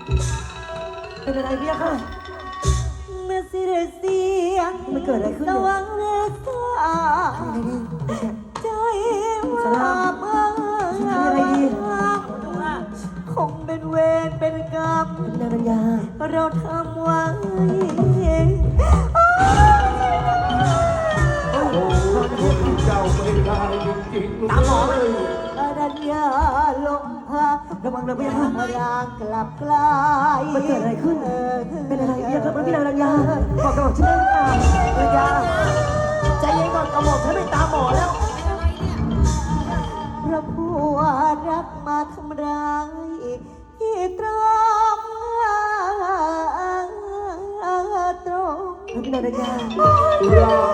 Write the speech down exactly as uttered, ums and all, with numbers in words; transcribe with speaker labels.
Speaker 1: เป็นอะไรพี่ค่ะ
Speaker 2: เมื่อเสียเสียง
Speaker 1: มันเกิดอะไรขึ้น
Speaker 2: ส
Speaker 1: เนี่ย
Speaker 2: ว่างเรือสาใจว่าเมื่อ
Speaker 1: ทำอะไรดี
Speaker 2: คงเป็นเวรเป็นกรรม
Speaker 1: นางรัญญา
Speaker 2: เราทำไว้
Speaker 3: โอ้คนเจ้าไม่ได้จริงๆ
Speaker 1: ตามหมอไหม
Speaker 2: อรัญญาลงพา
Speaker 1: ระวังนะพี่ค่ะ
Speaker 2: รางกลับกลาย
Speaker 1: มันเกิดอะไรขึ้น เป็นอะไรพี่ครับพี่นางรัญญาบอกกระบอกฉันได้หรือเปล่ารัญญาใจเย็นก่อนกระบอกฉันไม่ตามหมอแล้ว
Speaker 2: พระผัวรักมาทำร้ายที่ตรงตรง
Speaker 1: พี่นางรัญญา
Speaker 3: รา